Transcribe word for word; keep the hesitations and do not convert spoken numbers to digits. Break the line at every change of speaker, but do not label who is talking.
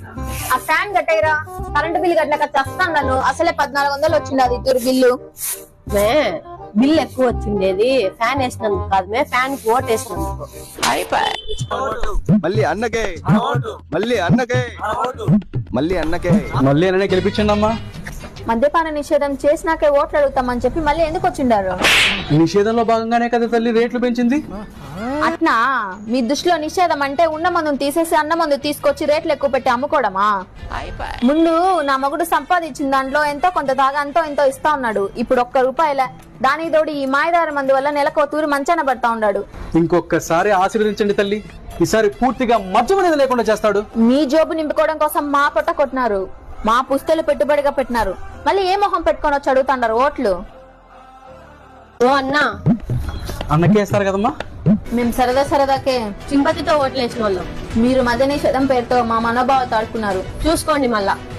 ఆ fan కట్టేరా, current bill కట్టలేక చస్తాను నన్ను. అసలే పద్నాలుగు వందలు వచ్చింది అది ఇద్దరు బిల్లు.
మే బిల్ ఎక్కువ వచ్చిండేది ఫ్యాన్ వేసినందుకు కాదు, మే ఫ్యాన్ కి ఓట్ వేసినందుకు.
మళ్ళీ అన్నకే మళ్ళీ అన్నకే మళ్ళీ అన్నకే
మళ్ళీ అన్ననే గెలిపించండి అమ్మా.
మద్యపాన నిషేధం చేసినాకే ఓట్లు అడుగుతామని చెప్పి మళ్ళీ ఎందుకు వచ్చిండారు?
నిషేధంలో భాగంగానే కదా తల్లి రేట్లు పెంచింది.
అట్నా మీ దృష్టిలో నిషేధం అంటే ఉన్న మందును తీసేసి అన్న మందు తీసుకొచ్చి రేట్లు ఎక్కువ పెట్టి అమ్ముకోవడమా? ముందు నా మగుడు సంపాదించిన దాంట్లో ఎంతో కొంత దాగా ఎంతో ఎంతో ఇస్తా ఉన్నాడు. ఇప్పుడు ఒక్క రూపాయలే. దానికి తోడు ఈ మాయదార మందు వల్ల నెలకు తూరి మంచాన పడతా ఉన్నాడు.
ఇంకొకసారి ఆశీర్వదించండి తల్లి, ఈసారి పూర్తిగా మద్యం అనేది లేకుండా చేస్తాడు.
మీ జోబు నింపుకోవడం కోసం మా పొట్ట కొట్టినారు, మా పుస్తలు పెట్టుబడిగా పెట్టినారు. మళ్ళీ ఏ మొహం పెట్టుకొని వచ్చి అడుగుతాండారు ఓట్లు?
ఓ అన్నా,
అన్నకే వేస్తారు కదమ్మా.
మేము సరదా సరదాకే
సింపతితో ఓట్లు వేసిన వాళ్ళం.
మీరు మద్య నిషేధం పేరుతో మా మనోభావాలు తాడుకున్నారు.
చూసుకోండి మళ్ళా.